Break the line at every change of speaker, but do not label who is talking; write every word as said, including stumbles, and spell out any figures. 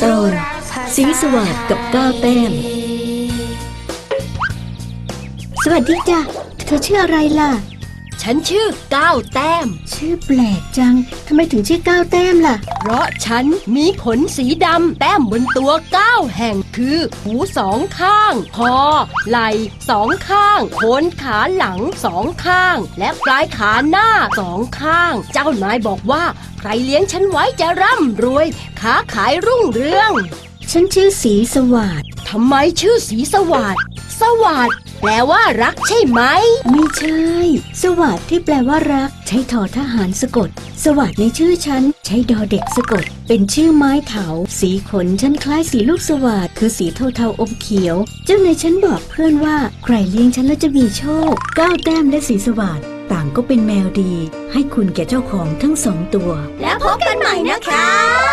ตอนสีสวัสดิ์กับก้าวแต้มสวัสดีจ้ะเธอชื่ออะไรล่ะ
ฉันชื่อก้าวแต้ม
ชื่อแปลกจังทำไมถึงชื่อก้าวแต้มล่ะ
เพราะฉันมีขนสีดำแต้มบนตัวเก้าแห่งคือหูสองข้างคอไหล่สองข้างโคนขาหลังสองข้างและปลายขาหน้าสองข้างเจ้านายบอกว่าใครเลี้ยงฉันไว้จะร่ำรวยค้าขายรุ่งเรือง
ฉันชื่อสีสวัสดิ์
ทำไมชื่อสีสวัสดิ์สวัสดิ์แปลว่ารักใช่ไหม
ไม่ใช่สวัสดิ์ที่แปลว่ารักใช้ทอทหารสะกดสวัสดิ์ในชื่อฉันใช้ดอเด็กสะกดเป็นชื่อไม้เถาสีขนฉันคล้ายสีลูกสวัสดิ์คือสีเทาๆอมเขียวเจ้านายฉันบอกเพื่อนว่าใครเลี้ยงฉันแล้วจะมีโชคก้าวแต้มและสีสวัสดิ์ต่างก็เป็นแมวดีให้คุณแก่เจ้าของทั้งสองตัว
แล้วพบกันใหม่นะคะ